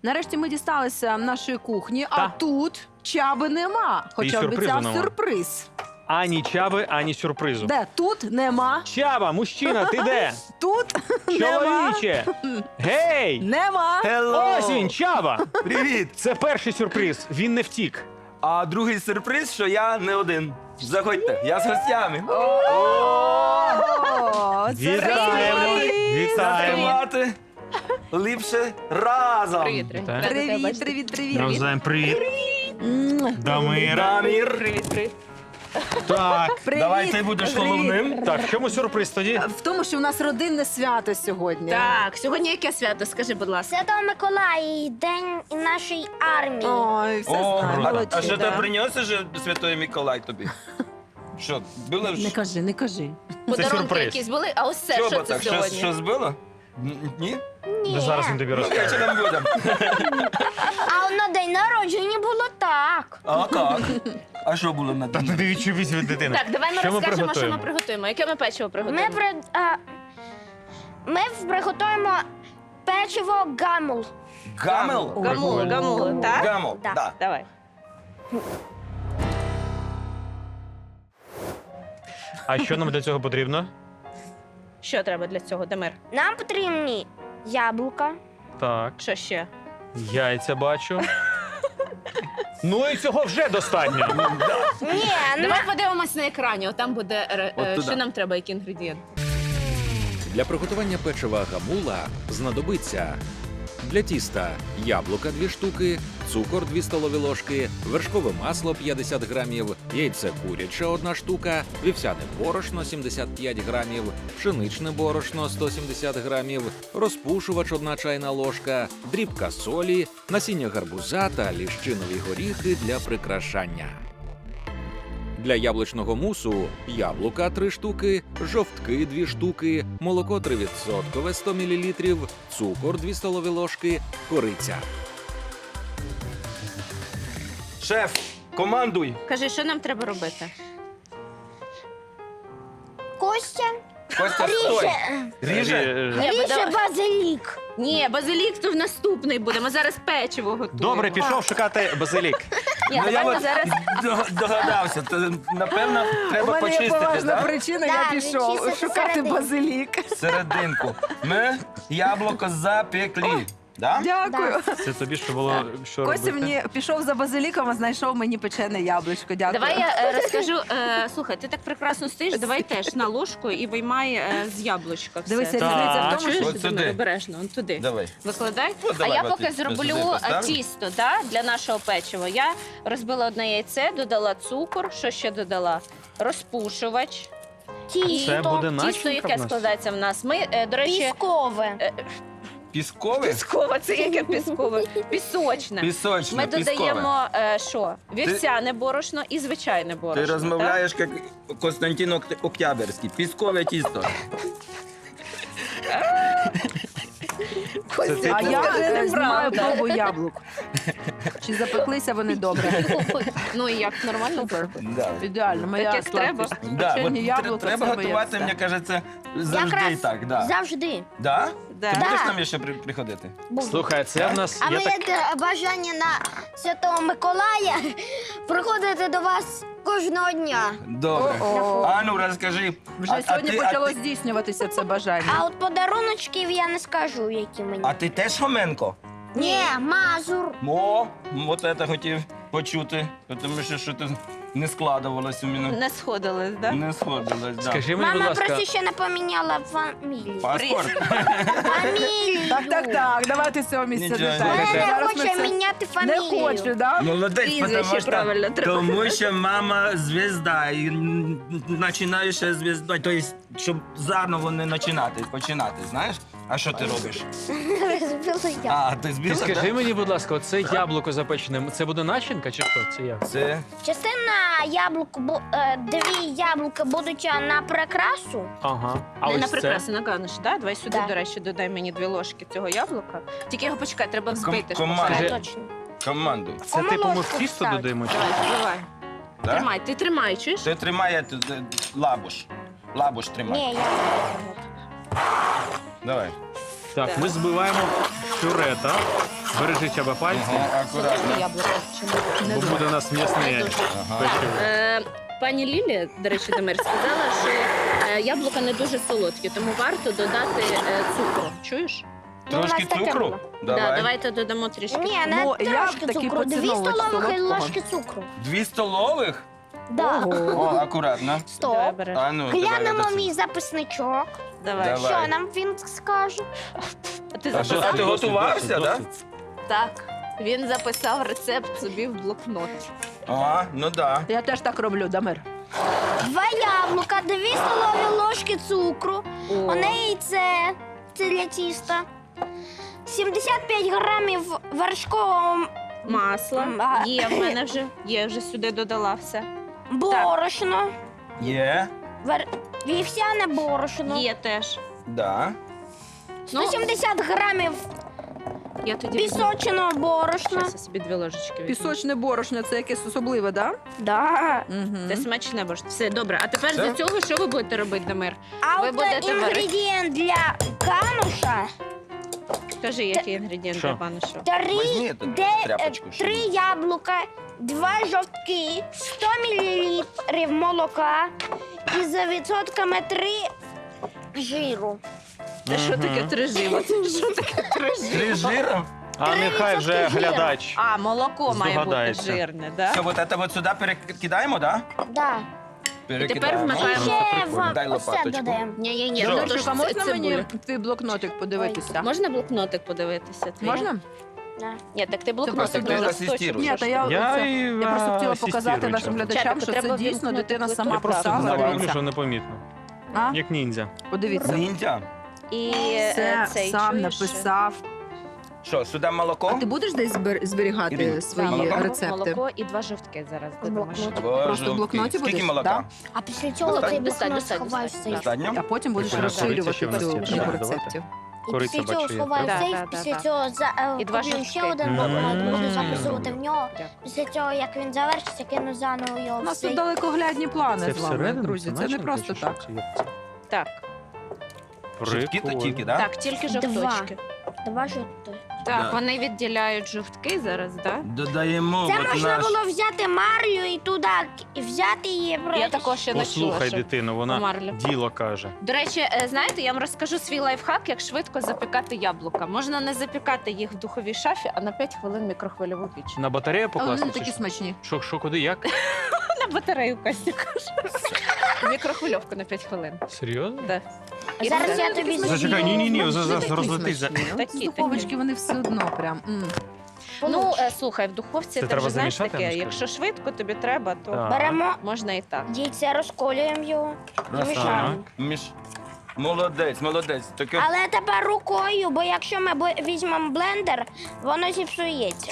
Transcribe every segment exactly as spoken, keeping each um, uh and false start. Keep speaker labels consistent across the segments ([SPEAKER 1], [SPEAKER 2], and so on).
[SPEAKER 1] Нарешті ми дісталися нашої кухні, а
[SPEAKER 2] Та.
[SPEAKER 1] тут Чаби нема. Хоча
[SPEAKER 2] сюрпризу
[SPEAKER 1] обіцяв
[SPEAKER 2] нема.
[SPEAKER 1] сюрприз.
[SPEAKER 2] Ані чаби, ані сюрпризу.
[SPEAKER 1] Де? Тут нема.
[SPEAKER 2] Чаба, мужчина, ти де?
[SPEAKER 1] Тут нема.
[SPEAKER 2] Чоловіче! Гей!
[SPEAKER 1] Нема.
[SPEAKER 3] Hello!
[SPEAKER 2] Ось він, Чаба!
[SPEAKER 3] Привіт!
[SPEAKER 2] Це перший сюрприз, він не втік.
[SPEAKER 3] А другий сюрприз, що я не один. Заходьте, я з гостями.
[SPEAKER 1] О, це
[SPEAKER 2] Вітаємо!
[SPEAKER 1] привіт.
[SPEAKER 2] Вітаємо!
[SPEAKER 3] Затримати ліпше разом.
[SPEAKER 4] Привіт, привіт.
[SPEAKER 2] Так.
[SPEAKER 1] Привіт, привіт, привіт.
[SPEAKER 2] Навзаєм привіт.
[SPEAKER 1] М.
[SPEAKER 2] Дамира.
[SPEAKER 3] Дамір.
[SPEAKER 4] Привіт, привіт.
[SPEAKER 2] Так.
[SPEAKER 1] Привіт.
[SPEAKER 3] Давай ти будеш
[SPEAKER 1] Привіт.
[SPEAKER 3] головним.
[SPEAKER 2] Так, в чому сюрприз тоді?
[SPEAKER 1] В тому, що у нас родинне свято сьогодні.
[SPEAKER 4] Так, сьогодні яке свято? Скажи, будь ласка.
[SPEAKER 5] Святого Миколая, день нашої армії.
[SPEAKER 1] Ой, все
[SPEAKER 3] О,
[SPEAKER 1] знаю,
[SPEAKER 3] а,
[SPEAKER 1] молодці.
[SPEAKER 3] а що
[SPEAKER 1] да.
[SPEAKER 3] ти приніс уже Святий Миколай тобі? Що, було
[SPEAKER 1] Не
[SPEAKER 3] ж?
[SPEAKER 1] кажи, не кажи.
[SPEAKER 4] Подарунки
[SPEAKER 2] сюрприз.
[SPEAKER 4] якісь були, а ось це
[SPEAKER 3] Що,
[SPEAKER 4] що
[SPEAKER 3] бо
[SPEAKER 4] це
[SPEAKER 3] так, що,
[SPEAKER 4] сьогодні?
[SPEAKER 3] що збило? Н- Ні?
[SPEAKER 2] Да зараз він тобі
[SPEAKER 3] Ну, я
[SPEAKER 2] розкаже.
[SPEAKER 3] чи там будем.
[SPEAKER 5] А на день народження було так.
[SPEAKER 3] А як? А що було на
[SPEAKER 2] Та
[SPEAKER 3] дні?
[SPEAKER 2] ти відчувись від дитини.
[SPEAKER 4] Так, давай ми
[SPEAKER 2] Що ми
[SPEAKER 4] розкажемо, що
[SPEAKER 2] приготуємо?
[SPEAKER 4] ми приготуємо. Яке ми печиво
[SPEAKER 5] Ми,
[SPEAKER 4] приготуємо?
[SPEAKER 5] при, а, ми приготуємо печиво гамул.
[SPEAKER 3] Гамел?
[SPEAKER 4] Гамули, гамули, так?
[SPEAKER 3] Гамел,
[SPEAKER 5] Так.
[SPEAKER 3] да.
[SPEAKER 4] Давай.
[SPEAKER 2] А що нам для цього потрібно?
[SPEAKER 4] Що треба для цього, Дамир?
[SPEAKER 5] Нам потрібні яблука,
[SPEAKER 2] Так,
[SPEAKER 4] Що ще?
[SPEAKER 2] яйця бачу. Ну і цього вже достатньо.
[SPEAKER 5] Ні, на...
[SPEAKER 4] Давай подивимось на екрані, там буде, е,
[SPEAKER 3] От
[SPEAKER 4] е,
[SPEAKER 3] туди.
[SPEAKER 4] що нам треба, які інгредієнти.
[SPEAKER 6] Для приготування печива гамула знадобиться для тіста яблука дві штуки, цукор дві столові ложки, вершкове масло п'ятдесят грамів, яйце куряче одна штука, вівсяне борошно сімдесят п'ять грамів, пшеничне борошно сто сімдесят грамів, розпушувач одна чайна ложка, дрібка солі, насіння гарбуза та ліщинові горіхи для прикрашання. Для яблучного мусу яблука три штуки, жовтки дві штуки, молоко три відсотки сто мілілітрів, цукор дві столові ложки, кориця.
[SPEAKER 3] Шеф, командуй.
[SPEAKER 4] Кажи, що нам треба робити?
[SPEAKER 5] Костя
[SPEAKER 3] Костя, стой.
[SPEAKER 5] ріже,
[SPEAKER 3] Ріже?
[SPEAKER 2] Е,
[SPEAKER 4] Ні,
[SPEAKER 5] ріже
[SPEAKER 4] давай-
[SPEAKER 5] базилік.
[SPEAKER 4] Ні, базилік то в наступний буде. Ми зараз печиво готуємо.
[SPEAKER 2] Добре, пішов шукати базилік.
[SPEAKER 4] Ні,
[SPEAKER 3] Ну, я
[SPEAKER 4] давай ми
[SPEAKER 3] от
[SPEAKER 4] зараз.
[SPEAKER 3] дог- догадався. То, напевно,
[SPEAKER 1] У
[SPEAKER 3] треба
[SPEAKER 1] мене є
[SPEAKER 3] почистити,
[SPEAKER 1] поважна
[SPEAKER 3] да?
[SPEAKER 1] причина,
[SPEAKER 5] Да,
[SPEAKER 1] я пішов
[SPEAKER 5] відчистити
[SPEAKER 1] шукати
[SPEAKER 5] середину.
[SPEAKER 1] базилік.
[SPEAKER 3] Серединку. Ми яблуко запекли. Да?
[SPEAKER 1] Дякую.
[SPEAKER 2] Це тобі що було що
[SPEAKER 1] Костя
[SPEAKER 2] робити?
[SPEAKER 1] мені пішов за базиліком, а знайшов мені печене яблучко. Дякую.
[SPEAKER 4] Давай я е, розкажу. Е, слухай, ти так прекрасно стоїш, давай теж на ложку і виймай е, з яблучка все.
[SPEAKER 1] Дивися,
[SPEAKER 2] Так.
[SPEAKER 1] різниця в тому,
[SPEAKER 4] Чуєш,
[SPEAKER 1] що
[SPEAKER 3] От сюди.
[SPEAKER 4] Дамир, обережно, он туди.
[SPEAKER 3] Давай.
[SPEAKER 4] Викладай.
[SPEAKER 3] Ну,
[SPEAKER 4] А
[SPEAKER 3] давай,
[SPEAKER 4] я
[SPEAKER 3] от
[SPEAKER 4] поки
[SPEAKER 3] ти сюди
[SPEAKER 4] зроблю е,
[SPEAKER 3] поставлю.
[SPEAKER 4] тісто да, для нашого печива. Я розбила одне яйце, додала цукор. Що ще додала? Розпушувач.
[SPEAKER 5] Тісто.
[SPEAKER 2] Це буде
[SPEAKER 4] Тісто,
[SPEAKER 2] начинка
[SPEAKER 4] яке
[SPEAKER 2] в нас?
[SPEAKER 4] складається в нас. Ми, е, до речі,
[SPEAKER 5] Піскове.
[SPEAKER 4] е,
[SPEAKER 3] Піскове?
[SPEAKER 4] піскове, це яке піскове? Пісочне.
[SPEAKER 3] Пісочне,
[SPEAKER 4] Ми
[SPEAKER 3] піскове.
[SPEAKER 4] додаємо е, що? Вівсяне борошно і звичайне борошно.
[SPEAKER 3] Ти розмовляєш як Константин Окт- Октябрьський. Піскове тісто.
[SPEAKER 2] Це ти
[SPEAKER 1] А я
[SPEAKER 4] Це
[SPEAKER 1] вже
[SPEAKER 4] неправда.
[SPEAKER 1] знімаю пробу яблук. Чи запеклися вони добре?
[SPEAKER 4] Так? Ну і як нормально?
[SPEAKER 1] Супер.
[SPEAKER 3] Да.
[SPEAKER 1] Ідеально, моя
[SPEAKER 4] як треба.
[SPEAKER 1] сладкість.
[SPEAKER 3] Да,
[SPEAKER 1] Печені
[SPEAKER 3] от
[SPEAKER 1] яблука,
[SPEAKER 3] треба
[SPEAKER 1] це моє
[SPEAKER 3] готувати,
[SPEAKER 1] все.
[SPEAKER 3] мені кажеться, завжди
[SPEAKER 5] Якраз
[SPEAKER 3] так. Да.
[SPEAKER 5] завжди.
[SPEAKER 3] Да?
[SPEAKER 4] Да.
[SPEAKER 3] Ти будеш
[SPEAKER 5] Да.
[SPEAKER 3] нам ще при- приходити?
[SPEAKER 5] Буду.
[SPEAKER 2] Слухай, це в нас
[SPEAKER 5] А
[SPEAKER 2] є
[SPEAKER 5] моє
[SPEAKER 2] так.
[SPEAKER 5] те бажання на Святого Миколая приходити до вас кожного дня.
[SPEAKER 3] Добре.
[SPEAKER 1] О-о.
[SPEAKER 3] Ану, розкажи.
[SPEAKER 1] Вже
[SPEAKER 3] а- а
[SPEAKER 1] сьогодні
[SPEAKER 3] ти- а
[SPEAKER 1] почало
[SPEAKER 3] ти-
[SPEAKER 1] здійснюватися це бажання.
[SPEAKER 5] А от подаруночків я не скажу, які мені.
[SPEAKER 3] А ти теж Хоменко?
[SPEAKER 5] Ні, Мазур.
[SPEAKER 3] О, от це хотів почути, тому що що ти не складувалось у мене.
[SPEAKER 4] Не сходились, так? Да?
[SPEAKER 3] Не сходилось, да.
[SPEAKER 2] Скажи мені, будь
[SPEAKER 5] Мама
[SPEAKER 2] ласка,
[SPEAKER 5] просто ще не поміняла фамілію.
[SPEAKER 3] Паспорт?
[SPEAKER 5] Фамілію.
[SPEAKER 1] Так, так, так, давайте з цього місця
[SPEAKER 3] Нічого,
[SPEAKER 1] не
[SPEAKER 3] нічого.
[SPEAKER 1] так.
[SPEAKER 5] Вона не
[SPEAKER 1] Зараз ми
[SPEAKER 5] хоче
[SPEAKER 1] це-
[SPEAKER 5] міняти
[SPEAKER 1] Не
[SPEAKER 5] фамілію.
[SPEAKER 1] хочу, да?
[SPEAKER 3] Молодець,
[SPEAKER 4] Прізвище
[SPEAKER 3] тому що,
[SPEAKER 4] правильно треба.
[SPEAKER 3] тому що мама звізда, і м, починаєш звіздою, тобто, щоб заново не починати, починати, знаєш? А що ти робиш?
[SPEAKER 5] Розбила я.
[SPEAKER 3] А, ти збила,
[SPEAKER 2] ти скажи
[SPEAKER 3] так?
[SPEAKER 2] мені, будь ласка, оце яблуко запечене, це буде начинка чи що? Це як?
[SPEAKER 3] Це
[SPEAKER 5] Частина яблук, бу- е, дві яблука будуть на прикрасу.
[SPEAKER 2] Ага. А
[SPEAKER 4] Не
[SPEAKER 2] ось
[SPEAKER 4] на
[SPEAKER 2] це?
[SPEAKER 4] прикраси, на ганиш, да? Давай сюди,
[SPEAKER 5] Да.
[SPEAKER 4] до речі, додай мені дві ложки цього яблука. Тільки його почекай, треба взбити.
[SPEAKER 3] Ком-
[SPEAKER 4] спочатку.
[SPEAKER 3] команда.
[SPEAKER 5] Так, точно.
[SPEAKER 3] командуй.
[SPEAKER 2] Це типу ми в
[SPEAKER 5] Омолочку
[SPEAKER 2] тісто
[SPEAKER 5] вставити.
[SPEAKER 2] додаємо? чи?
[SPEAKER 4] Давай, давай.
[SPEAKER 3] Да?
[SPEAKER 4] Тримай, ти тримай, чуєш?
[SPEAKER 3] Ти тримає т- т- лабуш. Лабуш тримай.
[SPEAKER 5] Ні, я не
[SPEAKER 3] Давай.
[SPEAKER 2] Так, ми збиваємо пюре, так? Бережи Чаба пальці,
[SPEAKER 3] Ага, акуратно.
[SPEAKER 4] Солодке яблуко чи ні?
[SPEAKER 2] бо буде у нас м'ясне
[SPEAKER 4] Не дуже.
[SPEAKER 3] Ага.
[SPEAKER 2] печиво.
[SPEAKER 4] Е, Пані Лілі, до речі, Дамир, сказала, що е, яблука не дуже солодкі, тому варто додати е, цукру. Чуєш?
[SPEAKER 5] Ну, у нас
[SPEAKER 3] Трошки
[SPEAKER 5] таке
[SPEAKER 3] цукру?
[SPEAKER 5] було.
[SPEAKER 4] Да,
[SPEAKER 3] Давай.
[SPEAKER 4] давайте додамо трішки.
[SPEAKER 5] Ні, не
[SPEAKER 1] Ну, я
[SPEAKER 5] трошки
[SPEAKER 1] такий
[SPEAKER 5] цукру. Дві
[SPEAKER 1] поціновувач
[SPEAKER 5] столових
[SPEAKER 1] солодкого.
[SPEAKER 5] ложки цукру.
[SPEAKER 3] Дві столових?
[SPEAKER 5] Да.
[SPEAKER 3] О, акуратно.
[SPEAKER 4] Давай
[SPEAKER 5] Стоп.
[SPEAKER 4] береш.
[SPEAKER 3] А ну, давай,
[SPEAKER 5] Глянемо
[SPEAKER 3] Радослав.
[SPEAKER 5] мій записничок.
[SPEAKER 4] Давай.
[SPEAKER 3] Давай.
[SPEAKER 5] Що нам він скаже?
[SPEAKER 4] А ти
[SPEAKER 3] А що,
[SPEAKER 4] записав?
[SPEAKER 3] ти готувався,
[SPEAKER 2] Досить,
[SPEAKER 3] так?
[SPEAKER 2] досить.
[SPEAKER 4] Так. Він записав рецепт собі в блокнот.
[SPEAKER 3] А, ну да.
[SPEAKER 1] Я теж так роблю, Дамир.
[SPEAKER 5] Два яблука, дві столові ложки цукру.
[SPEAKER 4] О.
[SPEAKER 5] Одне яйце, це для тіста. сімдесят п'ять грамів вершкового
[SPEAKER 4] Масло.
[SPEAKER 5] А.
[SPEAKER 4] Є в мене вже. Є, вже сюди додала все.
[SPEAKER 5] борошно.
[SPEAKER 3] Є,
[SPEAKER 5] Вер... Вівсяне борошно.
[SPEAKER 4] Є теж.
[SPEAKER 3] да.
[SPEAKER 4] Ну,
[SPEAKER 5] сто сімдесят грамів
[SPEAKER 4] я тоді візьму.
[SPEAKER 5] пісоченого борошна.
[SPEAKER 4] Щас я собі дві ложечки візьму.
[SPEAKER 1] Пісочне борошно це якесь особливе, так?
[SPEAKER 5] Да.
[SPEAKER 1] Да?
[SPEAKER 4] Це смачне борошно. Все, добре. А тепер
[SPEAKER 3] Все?
[SPEAKER 4] з цього що ви будете робити, Дамир?
[SPEAKER 5] А
[SPEAKER 4] Ви
[SPEAKER 5] от
[SPEAKER 4] будете
[SPEAKER 5] інгредієнт для кануша
[SPEAKER 4] Кажи, які інгредієнти,
[SPEAKER 2] Що?
[SPEAKER 4] пане що?
[SPEAKER 5] три,
[SPEAKER 3] Возьми эту
[SPEAKER 5] де,
[SPEAKER 3] тряпочку,
[SPEAKER 5] е,
[SPEAKER 3] щоб-
[SPEAKER 5] три яблука, два жовтки, сто мілілітрів молока і за відсотками три жиру.
[SPEAKER 4] Це що таке три жива? Це що таке три жива?
[SPEAKER 3] Три жира.
[SPEAKER 2] А нехай вже
[SPEAKER 5] відсотки жира.
[SPEAKER 2] глядач.
[SPEAKER 4] А, молоко має бути
[SPEAKER 2] Здогадається.
[SPEAKER 4] жирне, да?
[SPEAKER 3] Все, вот это вот сюди перекидаємо, да?
[SPEAKER 5] Да.
[SPEAKER 3] Перекидаємо.
[SPEAKER 4] вмикаємо.
[SPEAKER 5] Ще
[SPEAKER 2] прикольно.
[SPEAKER 5] в
[SPEAKER 3] Дай
[SPEAKER 5] оце
[SPEAKER 3] лопаточку.
[SPEAKER 5] додаємо.
[SPEAKER 4] Ні, ні, ні.
[SPEAKER 3] Що?
[SPEAKER 4] Ну,
[SPEAKER 1] Дамирчик,
[SPEAKER 4] то
[SPEAKER 1] а
[SPEAKER 4] ж
[SPEAKER 1] можна
[SPEAKER 4] це
[SPEAKER 1] мені
[SPEAKER 4] цибуля.
[SPEAKER 1] твій блокнотик подивитися?
[SPEAKER 4] Можна блокнотик подивитися? твій?
[SPEAKER 1] Можна?
[SPEAKER 5] Да.
[SPEAKER 4] Ні, так ти
[SPEAKER 1] просто
[SPEAKER 4] блокнотик
[SPEAKER 3] ти
[SPEAKER 4] на
[SPEAKER 3] асистіруєш.
[SPEAKER 4] листочок.
[SPEAKER 1] Ні, та я,
[SPEAKER 2] Я,
[SPEAKER 1] оце-
[SPEAKER 2] і,
[SPEAKER 1] я просто хотіла
[SPEAKER 2] асистірую
[SPEAKER 1] показати нашим
[SPEAKER 2] часом.
[SPEAKER 1] глядачам,
[SPEAKER 4] Чапику,
[SPEAKER 1] що
[SPEAKER 4] треба
[SPEAKER 1] це дійсно
[SPEAKER 4] вимкнути
[SPEAKER 1] дитина
[SPEAKER 4] плиту.
[SPEAKER 1] сама
[SPEAKER 2] Я просто
[SPEAKER 1] писала.
[SPEAKER 3] знаю,
[SPEAKER 2] знаю,
[SPEAKER 1] Дивіться.
[SPEAKER 2] що непомітно.
[SPEAKER 1] А?
[SPEAKER 2] Як ніндзя.
[SPEAKER 1] Подивіться.
[SPEAKER 3] Ніндзя.
[SPEAKER 4] І
[SPEAKER 1] Це
[SPEAKER 4] е, цей,
[SPEAKER 1] сам
[SPEAKER 4] чуєш?
[SPEAKER 1] написав.
[SPEAKER 3] Що, сюди молоко?
[SPEAKER 1] А ти будеш десь збер- зберігати
[SPEAKER 3] Ірина,
[SPEAKER 1] свої
[SPEAKER 3] молоко?
[SPEAKER 1] рецепти?
[SPEAKER 4] Молоко і два жовтки зараз додамо.
[SPEAKER 5] блокноті.
[SPEAKER 3] Боже,
[SPEAKER 1] Просто в блокноті
[SPEAKER 3] Скільки
[SPEAKER 1] будеш?
[SPEAKER 3] молока?
[SPEAKER 1] Да.
[SPEAKER 5] А після цього
[SPEAKER 3] Достатньо,
[SPEAKER 5] цей
[SPEAKER 4] достатньо,
[SPEAKER 5] блокнот
[SPEAKER 4] достатньо,
[SPEAKER 5] сховаєш в
[SPEAKER 4] достатньо.
[SPEAKER 5] сейф.
[SPEAKER 3] Достатньо?
[SPEAKER 1] А потім будеш
[SPEAKER 2] Прикольно,
[SPEAKER 1] розширювати
[SPEAKER 2] кориці ще в нас
[SPEAKER 1] цю
[SPEAKER 2] є,
[SPEAKER 1] книгу
[SPEAKER 2] давайте.
[SPEAKER 1] рецептів.
[SPEAKER 5] І
[SPEAKER 2] Кориця
[SPEAKER 5] після цього
[SPEAKER 2] бачу, є.
[SPEAKER 5] сховаю
[SPEAKER 4] Да,
[SPEAKER 5] в сейф,
[SPEAKER 4] да, да,
[SPEAKER 5] після
[SPEAKER 4] да.
[SPEAKER 5] цього за, е,
[SPEAKER 4] І два
[SPEAKER 5] куплю
[SPEAKER 4] жовтки.
[SPEAKER 5] ще один
[SPEAKER 2] М.
[SPEAKER 5] блокнот, буду
[SPEAKER 3] М.
[SPEAKER 5] записувати в нього.
[SPEAKER 4] Дякую.
[SPEAKER 5] Після цього, як він завершиться, кину заново його
[SPEAKER 1] У
[SPEAKER 5] в
[SPEAKER 1] нас тут
[SPEAKER 5] сейф.
[SPEAKER 1] далекоглядні плани
[SPEAKER 2] Це
[SPEAKER 1] з вами,
[SPEAKER 2] всередину?
[SPEAKER 1] друзі. Це не
[SPEAKER 2] начинка
[SPEAKER 1] просто
[SPEAKER 2] чи що?
[SPEAKER 1] так.
[SPEAKER 2] Чи як це?
[SPEAKER 4] Так,
[SPEAKER 3] Жовтки то
[SPEAKER 2] Прикольно.
[SPEAKER 3] тільки, да?
[SPEAKER 4] так, тільки жовточки.
[SPEAKER 5] Два жовтки.
[SPEAKER 4] Так,
[SPEAKER 3] Да.
[SPEAKER 4] вони відділяють жовтки зараз, так?
[SPEAKER 3] Додаємо
[SPEAKER 5] Це
[SPEAKER 3] от
[SPEAKER 5] можна
[SPEAKER 3] наш...
[SPEAKER 5] було взяти марлю і туди і взяти її.
[SPEAKER 4] Я
[SPEAKER 5] просто-
[SPEAKER 4] також ще не чула,
[SPEAKER 2] Послухай,
[SPEAKER 4] що
[SPEAKER 2] дитину, вона
[SPEAKER 4] марлю.
[SPEAKER 2] діло каже.
[SPEAKER 4] До речі, е, знаєте, я вам розкажу свій лайфхак, як швидко запікати яблука. Можна не запікати їх в духовій шафі, а на п'ять хвилин в мікрохвильову піч.
[SPEAKER 2] На батарею
[SPEAKER 1] Але
[SPEAKER 2] покласти?
[SPEAKER 1] вони
[SPEAKER 2] чи
[SPEAKER 1] такі
[SPEAKER 2] що?
[SPEAKER 1] смачні.
[SPEAKER 2] Що, що, куди, як?
[SPEAKER 4] На батарею Костя каже. В мікрохвильовку на п'ять хвилин.
[SPEAKER 2] Серйозно?
[SPEAKER 4] Да. І
[SPEAKER 5] Зараз
[SPEAKER 4] все.
[SPEAKER 5] я тобі
[SPEAKER 1] Зачекай,
[SPEAKER 2] Зачекай,
[SPEAKER 5] зроблю.
[SPEAKER 2] ні-ні-ні,
[SPEAKER 1] Вони
[SPEAKER 2] зараз
[SPEAKER 1] такі
[SPEAKER 2] розлетись. за-
[SPEAKER 1] смачні. От
[SPEAKER 4] Такі,
[SPEAKER 1] З духовочки
[SPEAKER 4] такі.
[SPEAKER 1] вони все одно прям. м.
[SPEAKER 4] Ну, е, слухай, в духовці
[SPEAKER 2] Це
[SPEAKER 4] ти
[SPEAKER 2] треба
[SPEAKER 4] вже знаєш
[SPEAKER 2] замішати,
[SPEAKER 4] таке,
[SPEAKER 2] Анечка?
[SPEAKER 4] якщо швидко тобі треба, то
[SPEAKER 2] Так.
[SPEAKER 5] Беремо
[SPEAKER 4] можна і так.
[SPEAKER 5] яйце, розколюємо його і
[SPEAKER 3] Раз,
[SPEAKER 5] мішаємо.
[SPEAKER 2] Так.
[SPEAKER 3] Між... Молодець, молодець. Таке...
[SPEAKER 5] Але тепер рукою, бо якщо ми бо- візьмемо блендер, воно зіпсується.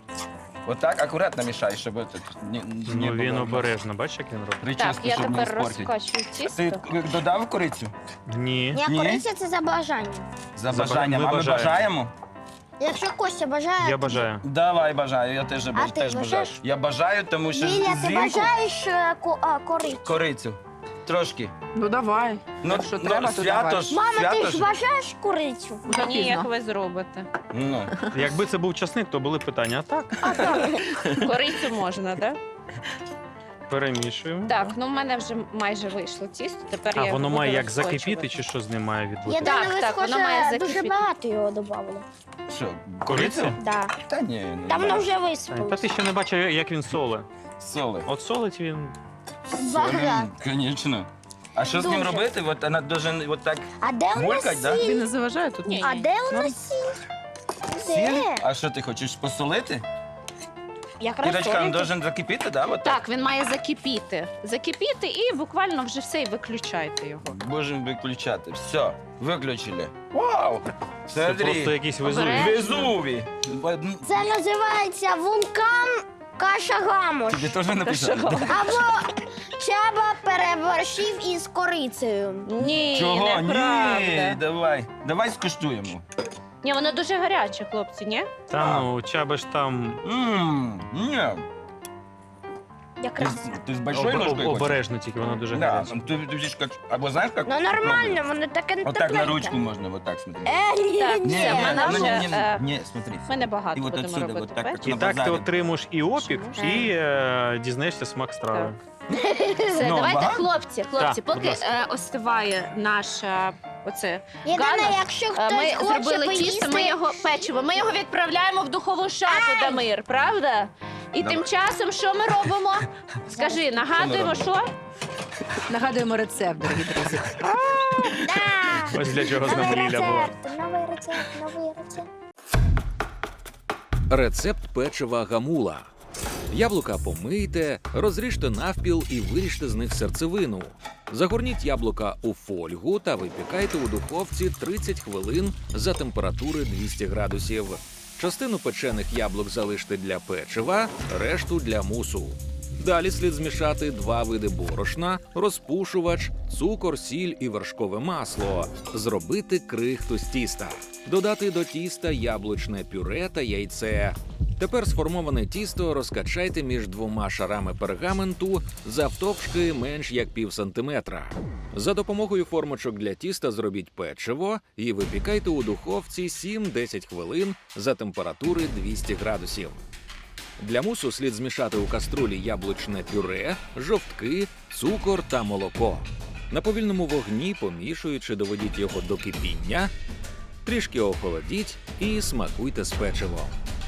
[SPEAKER 3] Отак акуратно мішай, щоб тут не, не
[SPEAKER 2] Ну він
[SPEAKER 3] було
[SPEAKER 2] обережно, бачиш, як він робить?
[SPEAKER 4] Так,
[SPEAKER 3] прическу,
[SPEAKER 4] я
[SPEAKER 3] щоб не
[SPEAKER 4] тепер
[SPEAKER 3] спортити.
[SPEAKER 4] розкачую
[SPEAKER 3] Ти
[SPEAKER 4] тісто.
[SPEAKER 3] додав корицю?
[SPEAKER 2] Ні.
[SPEAKER 5] Ні,
[SPEAKER 3] Ні?
[SPEAKER 5] кориця це за бажанням.
[SPEAKER 3] За
[SPEAKER 2] За
[SPEAKER 3] бажанням.
[SPEAKER 2] ми
[SPEAKER 3] А ми
[SPEAKER 2] бажаємо.
[SPEAKER 3] бажаємо?
[SPEAKER 5] Якщо Костя бажає,
[SPEAKER 2] Я
[SPEAKER 5] то-
[SPEAKER 2] бажаю.
[SPEAKER 3] Давай бажаю, я теж, баж...
[SPEAKER 5] ти
[SPEAKER 3] теж бажаю.
[SPEAKER 5] бажаєш?
[SPEAKER 3] Я бажаю, тому що
[SPEAKER 5] Ліля, ти
[SPEAKER 3] зимку
[SPEAKER 5] бажаєш е, ко- а, корицю?
[SPEAKER 3] корицю. Трошки.
[SPEAKER 1] Ну давай.
[SPEAKER 3] Ну,
[SPEAKER 1] Якщо
[SPEAKER 3] ну,
[SPEAKER 1] треба, то
[SPEAKER 3] свято
[SPEAKER 1] давай.
[SPEAKER 3] ж,
[SPEAKER 5] Мама,
[SPEAKER 3] свято
[SPEAKER 5] ти ж бажаєш корицю?
[SPEAKER 1] Уже
[SPEAKER 4] Ні, як
[SPEAKER 1] пізно.
[SPEAKER 4] ви зробите.
[SPEAKER 3] Ну,
[SPEAKER 2] Якби це був часник, то були питання. А так,
[SPEAKER 4] Корицю можна, так?
[SPEAKER 2] перемішуємо.
[SPEAKER 4] Так, ну в мене вже майже вийшло тісто. Тепер
[SPEAKER 2] А
[SPEAKER 4] я його
[SPEAKER 2] воно
[SPEAKER 4] буду
[SPEAKER 2] має як
[SPEAKER 4] розкочувати.
[SPEAKER 2] закипіти, чи що з ним має
[SPEAKER 5] Я
[SPEAKER 2] відбути?
[SPEAKER 4] Так,
[SPEAKER 5] думаю, ви,
[SPEAKER 4] так, воно
[SPEAKER 5] схоже,
[SPEAKER 4] має
[SPEAKER 5] дуже
[SPEAKER 4] закипіти.
[SPEAKER 5] багато його додали.
[SPEAKER 3] що,
[SPEAKER 2] Корицю?
[SPEAKER 3] корицю?
[SPEAKER 5] Да.
[SPEAKER 3] Та ні, не
[SPEAKER 5] Та воно вже
[SPEAKER 2] Та
[SPEAKER 5] висипалося.
[SPEAKER 2] ти ще не бачив, як він соле.
[SPEAKER 3] Соли.
[SPEAKER 2] От солить він.
[SPEAKER 5] Багато.
[SPEAKER 3] Звісно. А що з ним
[SPEAKER 5] Дуже.
[SPEAKER 3] робити? От вона дуже от так
[SPEAKER 5] А де у нас
[SPEAKER 3] булькать, да?
[SPEAKER 1] Тобі не заважає тут?
[SPEAKER 4] Ні.
[SPEAKER 5] А де у нас сіль?
[SPEAKER 3] Сіль?
[SPEAKER 5] Де?
[SPEAKER 3] А що ти хочеш посолити?
[SPEAKER 5] Якраз
[SPEAKER 3] Кірочка, він
[SPEAKER 5] солити.
[SPEAKER 3] должен закипіти, да? От так?
[SPEAKER 4] Так, він має закипіти. Закипіти і буквально вже все, і виключайте його.
[SPEAKER 3] Можемо виключати. Все, виключили. Вау!
[SPEAKER 2] Це просто
[SPEAKER 3] Смотри.
[SPEAKER 2] якийсь везуй.
[SPEAKER 4] Обережно.
[SPEAKER 3] Везуві.
[SPEAKER 5] Це називається вулкан Кашагамош.
[SPEAKER 3] Тобі теж написали?
[SPEAKER 4] Та що?
[SPEAKER 5] Або Чаба переборщив із корицею.
[SPEAKER 4] Ні,
[SPEAKER 3] Чого?
[SPEAKER 4] неправда.
[SPEAKER 3] Ні, давай. Давай скуштуємо.
[SPEAKER 4] Ні, воно дуже гаряче, хлопці, ні?
[SPEAKER 2] Та ну, чаба ж там.
[SPEAKER 3] Ммм, ні.
[SPEAKER 5] Якраз.
[SPEAKER 3] Ти з большой
[SPEAKER 2] Об-
[SPEAKER 3] ложкою
[SPEAKER 2] об-
[SPEAKER 3] хочеш?
[SPEAKER 2] Обережно тільки, воно дуже
[SPEAKER 3] Да,
[SPEAKER 2] гаряче.
[SPEAKER 3] ти, ти ж як, або знаєш, як?
[SPEAKER 5] Ну нормально, воно таке
[SPEAKER 3] Вот так на ручку можна, вот так, смотри.
[SPEAKER 5] Е, ні,
[SPEAKER 4] Так,
[SPEAKER 5] ні.
[SPEAKER 4] все,
[SPEAKER 3] Не,
[SPEAKER 4] вона
[SPEAKER 3] не,
[SPEAKER 4] вже,
[SPEAKER 3] не,
[SPEAKER 4] е,
[SPEAKER 3] не, не, смотри.
[SPEAKER 4] Ми небагато
[SPEAKER 3] І от
[SPEAKER 4] будемо
[SPEAKER 3] отсюди,
[SPEAKER 4] робити
[SPEAKER 3] от так,
[SPEAKER 4] печиво.
[SPEAKER 2] І
[SPEAKER 3] на
[SPEAKER 2] так ти
[SPEAKER 3] базарі.
[SPEAKER 2] отримуєш і опік,
[SPEAKER 5] Чому?
[SPEAKER 2] і е, дізнаєшся смак страви.
[SPEAKER 4] Все,
[SPEAKER 3] Ну,
[SPEAKER 4] давайте,
[SPEAKER 3] багато?
[SPEAKER 4] хлопці, хлопці,
[SPEAKER 2] Так, будь
[SPEAKER 4] поки
[SPEAKER 2] ласка.
[SPEAKER 4] е, остиває наша оце.
[SPEAKER 5] Єдине,
[SPEAKER 4] Ганна,
[SPEAKER 5] якщо
[SPEAKER 4] е,
[SPEAKER 5] хтось
[SPEAKER 4] Ми
[SPEAKER 5] хоче
[SPEAKER 4] зробили
[SPEAKER 5] поїсти...
[SPEAKER 4] тісто, ми його печиво. Ми його відправляємо в духову шафу, Дамир, правда? І
[SPEAKER 3] Давай.
[SPEAKER 4] тим часом що ми робимо? Скажи, нагадуємо, що?
[SPEAKER 1] Нагадуємо рецепт, дорогі друзі.
[SPEAKER 5] Да.
[SPEAKER 2] Ось для чого з нами
[SPEAKER 5] Новий
[SPEAKER 2] Ліля була.
[SPEAKER 5] рецепт, новий рецепт, новий рецепт.
[SPEAKER 6] Рецепт печива гамула. Яблука помийте, розріжте навпіл і виріжте з них серцевину. Загорніть яблука у фольгу та випікайте у духовці тридцять хвилин за температури двісті градусів. Частину печених яблук залиште для печива, решту для мусу. Далі слід змішати два види борошна, розпушувач, цукор, сіль і вершкове масло. Зробити крихту з тіста. Додати до тіста яблучне пюре та яйце. Тепер сформоване тісто розкачайте між двома шарами пергаменту завтовшки менш як пів сантиметра. За допомогою формочок для тіста зробіть печиво і випікайте у духовці сім-десять хвилин за температури двісті градусів. Для мусу слід змішати у каструлі яблучне пюре, жовтки, цукор та молоко. На повільному вогні, помішуючи, доведіть його до кипіння, трішки охолодіть і смакуйте з печивом.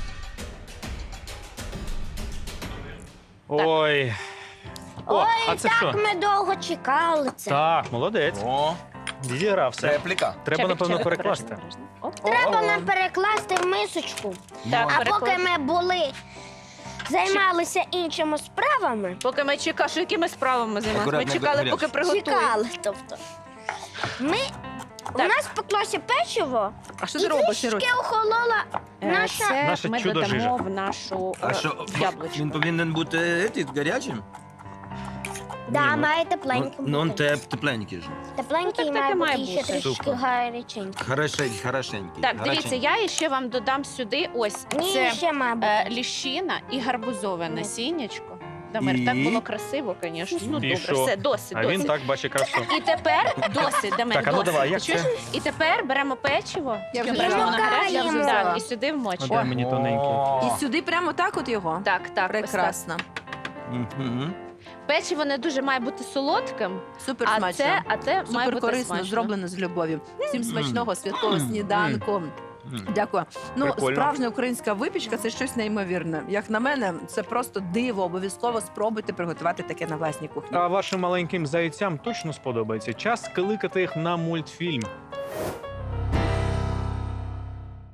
[SPEAKER 2] Ой. О, а це що?
[SPEAKER 5] Так ми довго чекали це.
[SPEAKER 2] Так, молодець.
[SPEAKER 3] О,
[SPEAKER 2] Відігрався.
[SPEAKER 3] репліка.
[SPEAKER 2] Треба,
[SPEAKER 4] Чабік,
[SPEAKER 2] напевно,
[SPEAKER 4] чабік,
[SPEAKER 2] перекласти.
[SPEAKER 4] обережно, обережно. Оп.
[SPEAKER 5] Треба
[SPEAKER 3] О.
[SPEAKER 5] нам перекласти в мисочку.
[SPEAKER 4] Так,
[SPEAKER 5] А поки
[SPEAKER 4] переклад-
[SPEAKER 5] ми були, займалися іншими справами,
[SPEAKER 4] Поки ми чекали, що якими справами займалися? Ми
[SPEAKER 3] Акуратно,
[SPEAKER 4] чекали,
[SPEAKER 3] гаряче.
[SPEAKER 4] поки приготують.
[SPEAKER 5] чекали. Тобто, ми, у
[SPEAKER 4] Так.
[SPEAKER 5] нас пеклося печиво,
[SPEAKER 1] А що
[SPEAKER 5] і
[SPEAKER 1] ти робиш, Ірусь?
[SPEAKER 5] трішки охолола
[SPEAKER 4] Е,
[SPEAKER 5] наша...
[SPEAKER 4] Це
[SPEAKER 2] Наше
[SPEAKER 4] ми
[SPEAKER 2] чудо-жижа.
[SPEAKER 4] додамо в нашу
[SPEAKER 3] А
[SPEAKER 4] е,
[SPEAKER 3] що,
[SPEAKER 4] яблучко.
[SPEAKER 3] він повинен бути етий, гарячим?
[SPEAKER 5] Да,
[SPEAKER 2] Ні,
[SPEAKER 5] має
[SPEAKER 3] Ну,
[SPEAKER 5] тепленьким
[SPEAKER 3] ну, он
[SPEAKER 5] бути.
[SPEAKER 3] теп, тепленький же.
[SPEAKER 5] Тепленький
[SPEAKER 4] Ну, так
[SPEAKER 5] має
[SPEAKER 4] так і
[SPEAKER 5] бути
[SPEAKER 4] має
[SPEAKER 5] і ще
[SPEAKER 4] бути.
[SPEAKER 5] трішки
[SPEAKER 3] Супер.
[SPEAKER 5] гаряченький.
[SPEAKER 3] Хорошенький, хорошенький.
[SPEAKER 4] Так, дивіться,
[SPEAKER 3] гаряченький.
[SPEAKER 4] я ще вам додам сюди ось
[SPEAKER 5] Ні,
[SPEAKER 4] це
[SPEAKER 5] ще має бути.
[SPEAKER 4] е, ліщина і гарбузове насіннячко. Дамир,
[SPEAKER 3] І?
[SPEAKER 4] так було красиво, звісно. Ну,
[SPEAKER 2] І
[SPEAKER 4] добре,
[SPEAKER 2] що?
[SPEAKER 4] все, досить,
[SPEAKER 2] А
[SPEAKER 4] досить.
[SPEAKER 2] він так бачить красу.
[SPEAKER 4] І тепер досить, Дамир,
[SPEAKER 2] Так, а ну
[SPEAKER 4] досить.
[SPEAKER 2] давай, як
[SPEAKER 4] Ти чуєш?
[SPEAKER 2] це?
[SPEAKER 4] І тепер беремо печиво,
[SPEAKER 1] Я вже
[SPEAKER 4] беремо
[SPEAKER 1] взяла.
[SPEAKER 4] на гаряче,
[SPEAKER 5] Я вже
[SPEAKER 1] взяла.
[SPEAKER 4] так, і сюди
[SPEAKER 2] А
[SPEAKER 4] вмочимо.
[SPEAKER 2] дай мені тоненький.
[SPEAKER 3] О.
[SPEAKER 1] І сюди прямо так от його?
[SPEAKER 4] Так, так, ось так.
[SPEAKER 1] Прекрасно.
[SPEAKER 3] Мгм.
[SPEAKER 4] Печиво не дуже має бути солодким,
[SPEAKER 1] Супер
[SPEAKER 4] а
[SPEAKER 1] смачно.
[SPEAKER 4] це, а це має
[SPEAKER 1] Супер
[SPEAKER 4] бути
[SPEAKER 1] корисно,
[SPEAKER 4] смачно.
[SPEAKER 1] зроблено з любов'ю. Всім смачного святкового
[SPEAKER 3] Мм.
[SPEAKER 1] сніданку.
[SPEAKER 3] Мм.
[SPEAKER 1] Дякую. Ну,
[SPEAKER 2] Прикольно.
[SPEAKER 1] справжня українська випічка це щось неймовірне. Як на мене, це просто диво. Обов'язково спробуйте приготувати таке на власній кухні.
[SPEAKER 2] А вашим маленьким зайцям точно сподобається. Час кликати їх на мультфільм.